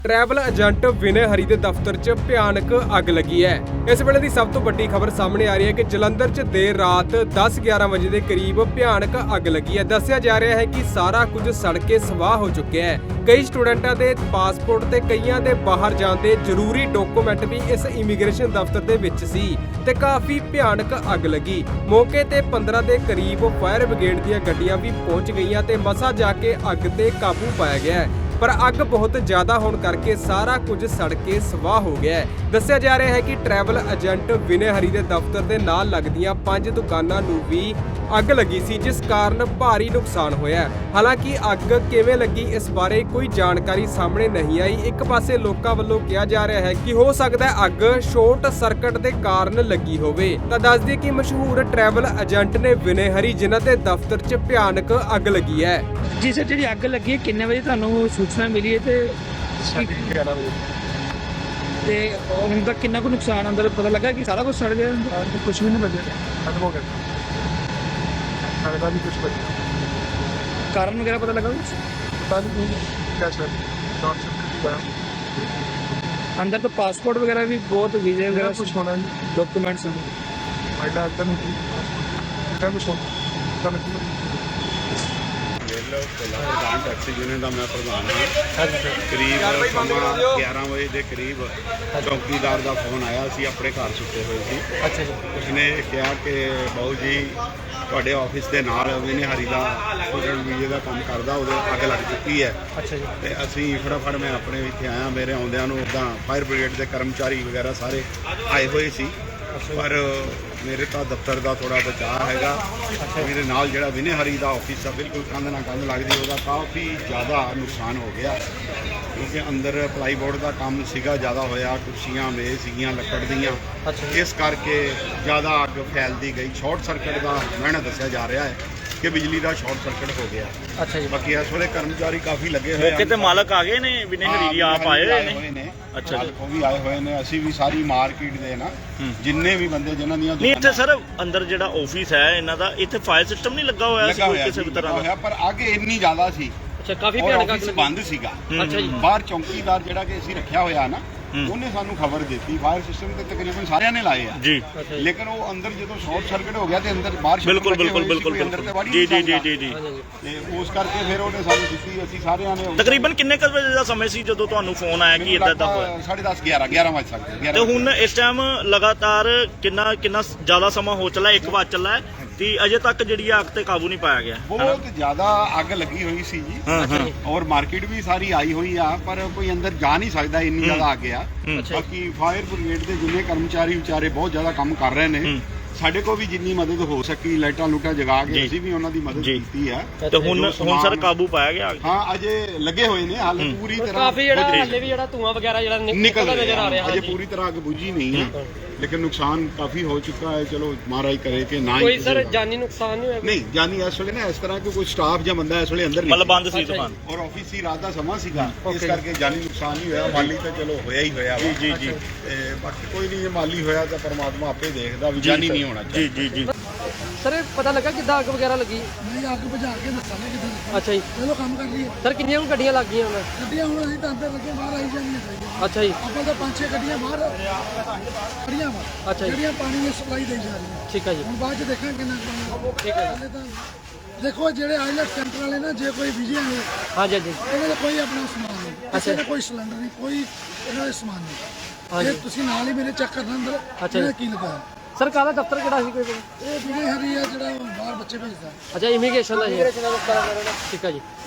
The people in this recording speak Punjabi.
ट्रैवल एजेंट विनय हरी के दफ्तर च भयानक अग लगी है। इस वेले की सब तो वड्डी खबर सामने आ रही है कि जलंधर च देर रात 10-11 बजे के करीब भयानक अग लगी है। दस्सिया जा रहा है कि सारा कुछ सड़ के सवाह हो चुके हैं। कई स्टूडेंटां दे पासपोर्ट ते कईयां दे बाहर जाण दे जरूरी डॉक्यूमेंट भी इस इमीग्रेशन दफ्तर दे विच सी ते काफी भयानक अग लगी। मौके ते 15 ਦੇ करीब फायर ब्रिगेड ਦੀਆਂ ਗੱਡੀਆਂ भी पहुंच गईयां ते मसा जाके अग ते काबू पाया गया है। पर अग बहुत ज्यादा होने करके सारा कुछ सड़ के सवाह हो गया है। दस्सिया जा रहा है कि ट्रैवल एजेंट विनय हरी के दफ्तर के नाल लगदियां 5 दुकानां नूं भी अग लगी सी, जिस कारण भारी नुकसान होया। हालांकि अग किवें लगी इस बारे कोई जानकारी सामने नहीं आई। एक पासे लोकां वल्लों कहा जा रहा है कि हो सकदा है अग शॉर्ट सर्किट के कारण लगी होवे। तां दस दईए कि मशहूर ट्रैवल एजेंट ने विनय हरी जिन्हां दे दफ्तर 'च भयानक अग लगी है। जी सर, जी अग लगी है किन्ने बजे तुहानूं सूचना मिली है ते 11 बजे ते हुण तक किन्ना को नुकसान अंदर पता लगा कि सारा कुछ सड़ गया? कुछ भी नहीं बचे, खत्म हो गया। खाने भी कुछ बचा, कारण वगैरह पता लगा कुछ? पता नहीं क्या सर शॉर्ट सर्किट हुआ। अंदर तो पासपोर्ट वगैरह भी बहुत वीजे वगैरह कुछ होना नहीं, डॉक्यूमेंट्स हैं। फायदा अंदर नहीं कुछ होता नहीं। प्रधान टैक्सी यूनियन का मैं प्रधान हाँ। करीब समा 11 बजे के करीब चौकीदार का फोन आया सी, अपने घर सुते हुए सी। अच्छा जी। उसने कहा कि बाबू जी ਤੁਹਾਡੇ ਆਫਿਸ ਦੇ ਨਾਲ ਵਿਨय ਹਰੀ ਦਾ ਸਟੂਡੈਂਟ ਵੀਜ਼ੇ ਦਾ ਕੰਮ ਕਰਦਾ, ਉਹਦੇ ਅੱਗ ਲੱਗ ਚੁੱਕੀ ਹੈ। ਅੱਛਾ ਜੀ। ਤੇ ਅਸੀਂ ਫਟਾਫਟ ਮੈਂ ਆਪਣੇ ਇੱਥੇ ਆਇਆ। ਮੇਰੇ ਆਉਂਦਿਆਂ ਨੂੰ ਉੱਦਾਂ ਫਾਇਰ ਬ੍ਰਿਗੇਡ ਦੇ ਕਰਮਚਾਰੀ ਵਗੈਰਾ ਸਾਰੇ ਆਏ ਹੋਏ ਸੀ, ਪਰ ਮੇਰੇ ਤਾਂ ਦਫ਼ਤਰ ਦਾ ਥੋੜਾ ਬਚਾਅ ਹੈਗਾ। ਮੇਰੇ ਨਾਲ ਜਿਹੜਾ ਵਿਨय ਹਰੀ ਦਾ ਆਫਿਸ ਆ ਬਿਲਕੁਲ ਕੰਧ ਨਾਲ ਕੰਧ ਲੱਗਦੀ, ਉਹਦਾ ਕਾਫੀ ਜ਼ਿਆਦਾ ਨੁਕਸਾਨ ਹੋ ਗਿਆ ਕਿਉਂਕਿ ਅੰਦਰ ਪਲਾਈਬੋਰਡ ਦਾ ਕੰਮ ਸੀਗਾ, ਜ਼ਿਆਦਾ ਹੋਇਆ। ਕੁਰਸੀਆਂ ਮੇਜ਼ ਸੀਗੀਆਂ ਲੱਕੜ ਦੀਆਂ, ਇਸ ਕਰਕੇ ਜ਼ਿਆਦਾ ਅੱਗ ਫੈਲਦੀ ਗਈ। ਸ਼ਾਰਟ ਸਰਕਟ ਦਾ ਮੈਨੂੰ ਦੱਸਿਆ ਜਾ ਰਿਹਾ ਹੈ ਕਿ ਬਿਜਲੀ ਦਾ ਸ਼ਾਰਟ ਸਰਕਟ ਹੋ ਗਿਆ। ਅੱਛਾ ਜੀ। ਬਾਕੀ ਇਸ ਵੇਲੇ ਕਰਮਚਾਰੀ ਕਾਫੀ ਲੱਗੇ ਹੋਏ ਮੌਕੇ ਤੇ ਮਾਲਕ ਆ ਗਏ ਨੇ, ਵਿਨय ਹਰੀ ਆਪ ਆਏ ਹੋਏ ਨੇ। ਅੱਛਾ ਜੀ, ਉਹ ਵੀ ਆਏ ਹੋਏ ਨੇ। ਅਸੀਂ ਵੀ ਸਾਰੀ ਮਾਰਕੀਟ ਦੇ ਨਾ ਜਿੰਨੇ ਵੀ ਬੰਦੇ ਜਿਨ੍ਹਾਂ ਦੀਆਂ ਨਹੀਂ ਇੱਥੇ ਸਰ ਅੰਦਰ ਜਿਹੜਾ ਆਫਿਸ ਹੈ ਇਹਨਾਂ ਦਾ, ਇੱਥੇ ਫਾਇਰ ਸਿਸਟਮ ਨਹੀਂ ਲੱਗਾ ਹੋਇਆ ਸੀ ਕੋਈ ਕਿਸੇ ਵੀ ਤਰ੍ਹਾਂ ਦਾ? ਪਰ ਅੱਗ ਇੰਨੀ ਜ਼ਿਆਦਾ ਸੀ। ਅੱਛਾ, ਕਾਫੀ ਭਿਆਨਕ ਅੱਗ ਬੰਦ ਸੀਗਾ। ਅੱਛਾ ਜੀ। ਬਾਹਰ ਚੌਕੀਦਾਰ ਜਿਹੜਾ ਕਿ ਅਸੀਂ ਰੱਖਿਆ ਹੋਇਆ ਨਾ, ਉਹਨੇ ਸਾਨੂੰ ਖਬਰ ਦਿੱਤੀ। ਫਾਇਰ ਸਿਸਟਮ ਤੇ ਤਕਰੀਬਨ ਸਾਰਿਆਂ ਨੇ ਲਾਏ ਆ ਜੀ, ਲੇਕਿਨ ਉਹ ਅੰਦਰ ਜਦੋਂ ਸ਼ਾਰਟ ਸਰਕਟ ਹੋ ਗਿਆ ਤੇ ਅੰਦਰ ਬਾਹਰ ਬਿਲਕੁਲ ਬਿਲਕੁਲ ਬਿਲਕੁਲ ਜੀ ਜੀ ਜੀ ਜੀ ਜੀ ਤੇ ਉਸ ਕਰਕੇ ਫਿਰ ਉਹਨੇ ਸਾਨੂੰ ਦਿੱਤੀ। ਅਸੀਂ ਸਾਰਿਆਂ ਨੇ ਤਕਰੀਬਨ ਕਿੰਨੇ ਕੁ ਵਜੇ ਦਾ ਸਮੇਂ ਸੀ ਜਦੋਂ ਤੁਹਾਨੂੰ ਫੋਨ ਆਇਆ ਕਿ ਇਦਾਂ ਦਾ ਹੋਇਆ? 10:30 11 ਵਜੇ ਸਕਦੇ। ਤੇ ਹੁਣ ਇਸ ਟਾਈਮ ਲਗਾਤਾਰ ਕਿੰਨਾ ਜ਼ਿਆਦਾ ਸਮਾਂ ਹੋ ਚੱਲਾ, 1 ਵਜ ਚੱਲਾ ਹੈ ਤੇ ਅਜੇ ਤੱਕ ਜਿਹੜੀ ਅੱਗ ਤੇ ਕਾਬੂ ਨਹੀਂ ਪਾਇਆ ਗਿਆ? ਬਹੁਤ ਜ਼ਿਆਦਾ ਅੱਗ ਲੱਗੀ ਹੋਈ ਸੀ ਜੀ, ਔਰ ਮਾਰਕੀਟ ਵੀ ਸਾਰੀ ਆਈ ਹੋਈ ਆ, ਪਰ ਕੋਈ ਅੰਦਰ ਜਾ ਨਹੀਂ ਸਕਦਾ, ਇੰਨੀ ਜ਼ਿਆਦਾ ਅੱਗ ਆ। ਬਾਕੀ ਫਾਇਰ ਬ੍ਰਿਗੇਡ ਦੇ ਜਿੰਨੇ ਕਰਮਚਾਰੀ ਵਿਚਾਰੇ ਬਹੁਤ ਜ਼ਿਆਦਾ ਕੰਮ ਕਰ ਰਹੇ ਨੇ। ਸਾਡੇ ਕੋਲ ਵੀ ਜਿੰਨੀ ਮਦਦ ਹੋ ਸਕੀ ਲਾਈਟਾਂ ਲੂਟਾਂ ਜਗਾ ਕੇ ਅਸੀਂ ਵੀ ਉਹਨਾਂ ਦੀ ਮਦਦ ਕੀਤੀ ਆ। ਤੇ ਹੁਣ ਸਰ ਕਾਬੂ ਪਾਇਆ ਗਿਆ? ਹਾਂ, ਅਜੇ ਲੱਗੇ ਹੋਏ ਨੇ, ਹਾਲੇ ਪੂਰੀ ਤਰ੍ਹਾਂ ਕਾਫੀ ਜਿਹੜਾ ਹਾਲੇ ਵੀ ਜਿਹੜਾ ਧੂਆਂ ਵਗੈਰਾ ਜਿਹੜਾ ਨਿਕਲਦਾ ਨਜ਼ਰ ਆ ਰਿਹਾ। ਅਜੇ ਪੂਰੀ ਤਰ੍ਹਾਂ ਅੱਗ ਬੁਝੀ ਨਹੀਂ ਹੈ, ਲੇਕਿਨ ਨੁਕਸਾਨ ਕਾਫੀ ਹੋ ਚੁੱਕਾ ਹੈ। ਚਲੋ ਮਹਾਰਾਜ ਕਰੇ ਕਿ ਨਾ ਕੋਈ ਸਰ ਜਾਨੀ ਨੁਕਸਾਨ ਨਹੀਂ ਹੋਇਆ? ਨਹੀਂ, ਜਾਨੀ ਇਸ ਵੇਲੇ ਨਾ ਇਸ ਤਰ੍ਹਾਂ ਕਿ ਕੋਈ ਸਟਾਫ ਜਾਂ ਬੰਦਾ ਇਸ ਵੇਲੇ ਅੰਦਰ ਨਹੀਂ, ਮਤਲਬ ਬੰਦ ਸੀ ਦੁਕਾਨ ਔਰ ਆਫਿਸ ਹੀ ਰਾਤ ਦਾ ਸਮਾਂ ਸੀਗਾ, ਇਸ ਕਰਕੇ ਜਾਨੀ ਨੁਕਸਾਨ ਨਹੀਂ ਹੋਇਆ। ਮਾਲੀ ਤਾਂ ਚਲੋ ਹੋਇਆ ਹੀ ਹੋਇਆ। ਜੀ ਜੀ ਜੀ। ਤੇ ਬਾਕੀ ਕੋਈ ਨਹੀਂ, ਜੇ ਮਾਲੀ ਹੋਇਆ ਤਾਂ ਪਰਮਾਤਮਾ ਆਪੇ ਦੇਖਦਾ, ਵੀ ਜਾਨੀ ਨਹੀਂ ਹੋਣਾ ਚਾਹੀਦਾ। ਜੀ ਜੀ ਜੀ। ਸਰ ਪਤਾ ਲੱਗਾ ਕਿੱਦਾਂ ਅੱਗ ਵਗੈਰਾ ਲੱਗੀ? ਨਹੀਂ, ਅੱਗ ਬੁਝਾ ਕੇ ਦੱਸਾਂਗੇ ਕਿੱਦਾਂ। ਅੱਛਾ ਜੀ। ਚਲੋ ਕੰਮ ਕਰ ਲਈਏ। ਸਰ ਕਿੰਨੀਆਂ ਕੁ ਗੱਡੀਆਂ ਲੱਗ ਗਈਆਂ ਹੁਣ? ਗੱਡੀਆਂ ਹੁਣ ਅਸੀਂ ਤਾਂ ਅੰਦਰ ਲੱਗੇ, ਬਾਹਰ ਆਈ ਜਾਂਦੀਆਂ। ਅੱਛਾ ਜੀ। ਆਪਾਂ ਤਾਂ 5-6 ਗੱਡੀਆਂ ਬਾਹਰ ਖੜੀਆਂ ਵਾ, ਅੱਛਾ ਜੀ। ਜਿਹੜੀਆਂ ਪਾਣੀ ਦੀ ਸਪਲਾਈ ਦੇਈ ਜਾ ਰਹੀਆਂ। ਠੀਕ ਹੈ ਜੀ। ਹੁਣ ਬਾਅਦ ਚ ਦੇਖਾਂਗੇ ਕਿੰਨਾ ਪਾਣੀ। ਠੀਕ ਹੈ। ਹਾਲੇ ਤਾਂ ਦੇਖੋ ਜਿਹੜੇ ਆਈਲੈਟ ਸੈਂਟਰ ਵਾਲੇ ਨਾ, ਜੇ ਕੋਈ ਵਿਜੇ ਨੇ ਹਾਂਜੀ ਹਾਂਜੀ। ਇਹਨਾਂ ਦਾ ਕੋਈ ਆਪਣਾ ਸਮਾਨ ਨਹੀਂ, ਕਿਸੇ ਦਾ ਕੋਈ ਸਿਲੰਡਰ ਨਹੀਂ, ਕੋਈ ਇਹਨਾਂ ਦਾ ਸਮਾਨ ਨਹੀਂ। ਇਹ ਤੁਸੀਂ ਨਾਲ ਹੀ ਮੇਰੇ ਚੈੱਕ ਕਰਨਾ ਅੰਦਰ ਇਹਦਾ ਕੀ ਲੱਗਾ। ਸਰ ਕਾਹਦਾ ਦਫ਼ਤਰ ਕਿਹੜਾ ਸੀ ਕੋਈ? ਇਹ ਵਿਜੇ ਹਰੀ ਆ ਜਿਹੜਾ ਬਾਹਰ ਬੱਚੇ ਭੇਜਦਾ। ਅੱਛਾ, ਇਮੀਗ੍ਰੇਸ਼ਨ ਦਾ ਜੀ। ਠੀਕ ਹੈ ਜੀ।